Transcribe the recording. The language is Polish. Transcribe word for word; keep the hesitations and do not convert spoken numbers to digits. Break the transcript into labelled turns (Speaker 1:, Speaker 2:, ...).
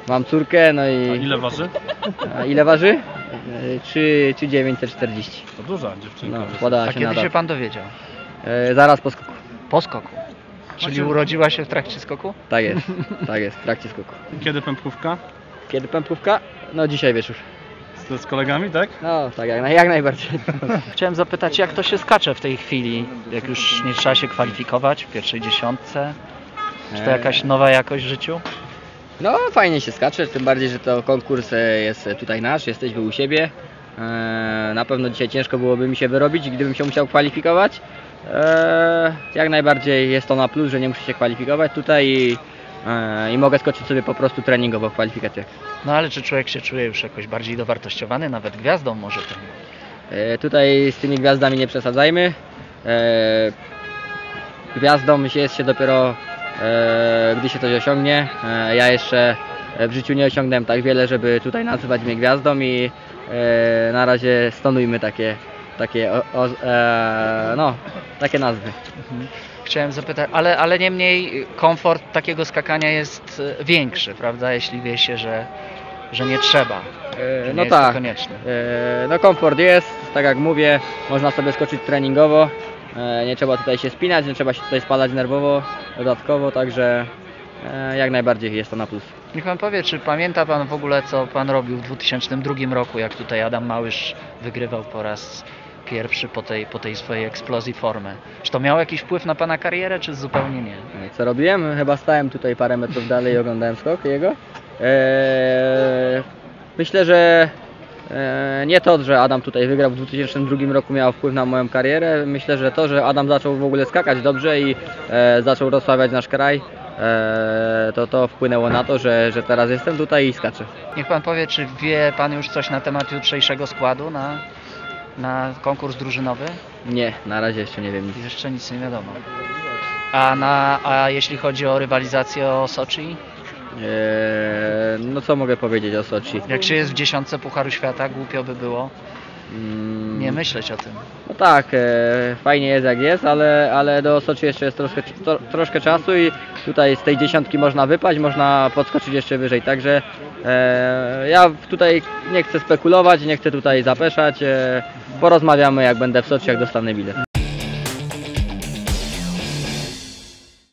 Speaker 1: Mam córkę, no
Speaker 2: A
Speaker 1: i...
Speaker 2: ile waży?
Speaker 1: A ile waży? E, trzy tysiące dziewięćset czterdzieści.
Speaker 2: To duża dziewczynka.
Speaker 1: No,
Speaker 2: dosyć.
Speaker 1: podała
Speaker 3: A
Speaker 1: się
Speaker 3: kiedy
Speaker 1: na
Speaker 3: się
Speaker 1: dat.
Speaker 3: pan dowiedział?
Speaker 1: E, zaraz po skoku.
Speaker 3: Po skoku. Czyli urodziła się w trakcie skoku?
Speaker 1: Tak jest, tak jest, w trakcie skoku.
Speaker 2: Kiedy pępkówka?
Speaker 1: Kiedy pępkówka? No dzisiaj wieczór.
Speaker 2: Z, z kolegami, tak?
Speaker 1: No tak, jak, jak najbardziej.
Speaker 3: Chciałem zapytać, jak to się skacze w tej chwili, jak już nie trzeba się kwalifikować w pierwszej dziesiątce? Czy to jakaś nowa jakość w życiu?
Speaker 1: No fajnie się skacze, tym bardziej, że to konkurs e, jest tutaj nasz, jesteśmy u siebie. E, na pewno dzisiaj ciężko byłoby mi się wyrobić, gdybym się musiał kwalifikować. E, jak najbardziej jest to na plus, że nie muszę się kwalifikować tutaj i, e, i mogę skoczyć sobie po prostu treningowo w kwalifikacjach.
Speaker 3: No ale czy człowiek się czuje już jakoś bardziej dowartościowany, nawet gwiazdą może tym?
Speaker 1: E, tutaj z tymi gwiazdami nie przesadzajmy. E, gwiazdą się jest się dopiero e, gdy się coś osiągnie. E, ja jeszcze w życiu nie osiągnąłem tak wiele, żeby tutaj nazywać mnie gwiazdą i e, na razie stonujmy takie, takie, o, o, e, no, takie nazwy.
Speaker 3: Mhm. Chciałem zapytać, ale, ale niemniej komfort takiego skakania jest e, większy, prawda? Jeśli wie się, że, że nie trzeba.
Speaker 1: E,
Speaker 3: Że nie
Speaker 1: no
Speaker 3: jest to
Speaker 1: tak,
Speaker 3: konieczne.
Speaker 1: e, no komfort jest, tak jak mówię, można sobie skoczyć treningowo, e, nie trzeba tutaj się spinać, nie trzeba się tutaj spalać nerwowo dodatkowo, także e, jak najbardziej jest to na plus.
Speaker 3: Niech pan powie, czy pamięta pan w ogóle, co pan robił w dwa tysiące drugim roku, jak tutaj Adam Małysz wygrywał po raz pierwszy po tej, po tej swojej eksplozji formy? Czy to miało jakiś wpływ na pana karierę, czy zupełnie nie?
Speaker 1: E, Co robiłem? Chyba stałem tutaj parę metrów dalej i oglądałem skok jego. E, myślę, że e, nie to, że Adam tutaj wygrał w dwa tysiące drugim roku miało wpływ na moją karierę. Myślę, że to, że Adam zaczął w ogóle skakać dobrze i e, zaczął rozsławiać nasz kraj, e, to to wpłynęło na to, że, że teraz jestem tutaj i skaczę.
Speaker 3: Niech pan powie, czy wie pan już coś na temat jutrzejszego składu na, na konkurs drużynowy?
Speaker 1: Nie, na razie jeszcze nie wiem nic.
Speaker 3: Jeszcze nic nie wiadomo. A, na, a jeśli chodzi o rywalizację o Soczi?
Speaker 1: E, no co mogę powiedzieć o Soczi?
Speaker 3: Jak się jest w dziesiątce Pucharu Świata, głupio by było
Speaker 1: Mm,
Speaker 3: nie myśleć o tym.
Speaker 1: No tak, e, fajnie jest jak jest, ale, ale do Soczi jeszcze jest troszkę, to, troszkę czasu i tutaj z tej dziesiątki można wypaść, można podskoczyć jeszcze wyżej, także e, ja tutaj nie chcę spekulować, nie chcę tutaj zapeszać, e, porozmawiamy jak będę w Soczi, jak dostanę bilet.